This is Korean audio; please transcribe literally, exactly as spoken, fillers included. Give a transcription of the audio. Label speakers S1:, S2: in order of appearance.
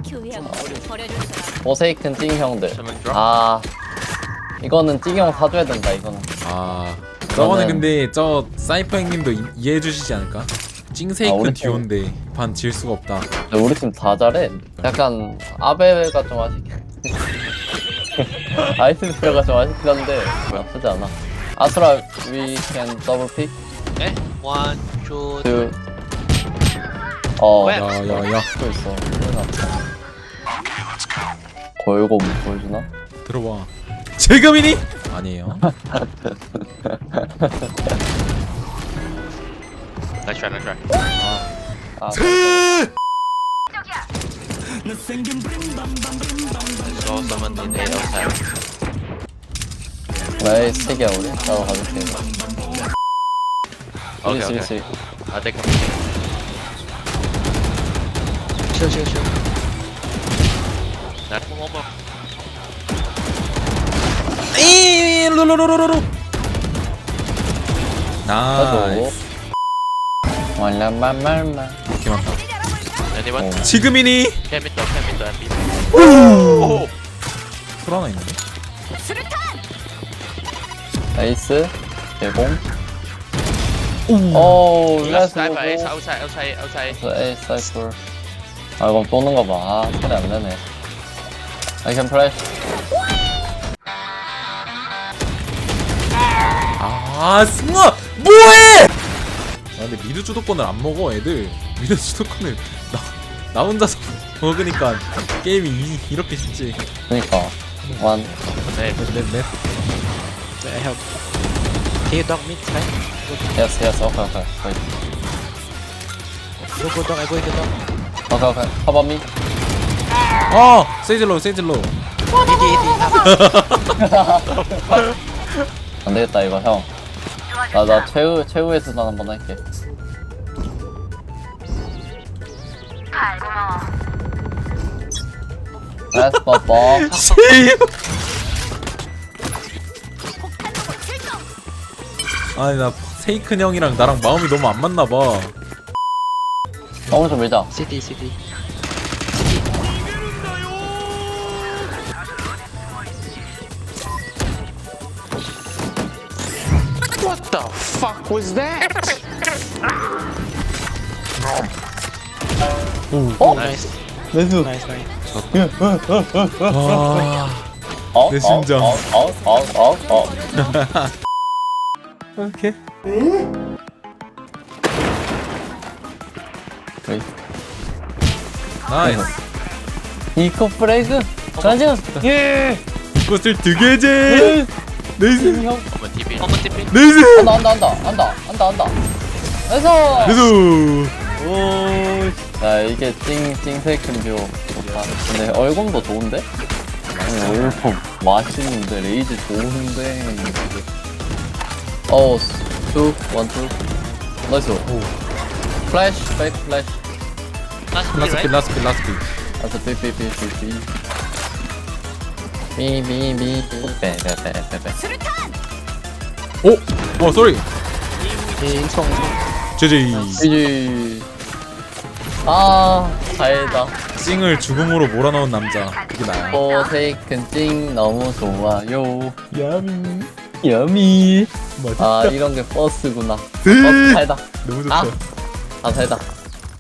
S1: 포세이큰 찡 형들.
S2: Someone drop.
S1: 아 이거는 찡 형 사줘야 된다 이거는.
S3: 아 저거는
S1: 저는-
S3: 근데 저 사이퍼 형님도 이- 이해해 주시지 않을까?
S1: 아,
S3: 찡세이큰
S1: 우리 팀-
S3: 듀오인데 반 질 수가 없다.
S1: 근데 우리 팀 다 잘해. 약간 아베가 좀 아쉽긴. 아이스베어가 좀 아쉽긴 한데 나쁘지 않아. 아수라 we can double pick
S2: Okay. One, two,
S1: to 어
S2: 왜?
S3: 야야야
S1: 또 있어. 골고 뭐 보여주나?
S3: 들어와. 지금이니? 아니에요.
S2: Nice try, nice try.
S1: 아
S2: So someone in A outside.
S1: 나의 스택이야 우리. 나도 가줄게.
S2: Okay,
S1: 쓰리,
S2: okay.
S1: 쓰리.
S2: I'll take him. Chill, chill, chill. That's one more.
S3: 이 루루루루루.
S1: 가지고.
S3: 나이스.
S1: 말라말말말.
S3: 이렇게 많다.
S2: Anyone?
S1: 어.
S3: 지금이니?
S2: Cam it, cam it, and beat. Oh!
S3: 풀 하나 있는데?
S1: 나이스. 개공. 오,
S2: Last
S1: 레스
S2: time,
S1: 보고.
S2: ace outside, outside, outside.
S1: 에이, 사이플. 아, 이건 쏘는 거 봐. 아, 소리 안 나네. I can flash.
S3: 아 승아 뭐해? 아 근데 미드 주도권을 안 먹어 애들. 미드 주도권을 나, 나 혼자서 먹으니까 게임이 이, 이렇게 쉽지.
S1: 그니까. 원.
S2: Hey,
S3: 넷넷
S2: I help. Can you dog mid, right?
S1: 예스, 예스. 오케이, 오케이. 오케이.
S2: Go, go, dog. I go in the dog.
S1: 오케이, 오케이. 커버 미.
S3: 어 세이즐로 세이즐로.
S1: 안 되겠다, 이거, 형. 나, 나 최후, 최후의 수단 한번 할게. 레스 버버.
S3: 아니 나 세이큰 형이랑 나랑 마음이 너무 안 맞나 봐.
S1: 너무 좀 밀자.
S2: City, city. What the fuck was that?
S1: 어?
S2: Nice,
S1: 레스.
S2: nice, nice.
S3: 와.
S1: 어?
S3: 내 심장.
S1: 어? 어? 어? 어? 어?
S3: 오케이.
S1: 오케이.
S3: 나이스.
S1: 이코 프레그. 가자. 예.
S3: 이것을 두 개제. 나이스.
S1: 형.
S2: Common TP. Common TP.
S3: 나이스.
S1: 한다 한다 한다 한다 한다 한다. 레스.
S3: 나이스.
S1: 오. 야 이게 찡 찡세큰 뷰 좋다. 근데 얼굴도 좋은데? 아니, 얼굴 맛있는데 레이즈 좋은데. 어, 투, 원, 투. 나이스. 플래시, 백 플래시.
S2: Last
S3: 라스트
S2: three,
S3: 피
S2: right?
S3: 라스트 피 라스트 피.
S1: 아서 삐삐삐삐삐. 삐삐삐삐. 빼빼빼빼빼.
S3: 오. 어 쏘리. 제제이.
S1: 이지. 아, 다행이다.
S3: 찡을 죽음으로 몰아넣은 남자. 그게 나야.
S1: 포세이큰 찡 너무 좋아요.
S3: 야미.
S1: 여미.
S3: 맛있다.
S1: 아, 이런 게 버스구나.
S3: 네.
S1: 버스 살다.
S3: 너무 좋다.
S1: 아, 아 살다.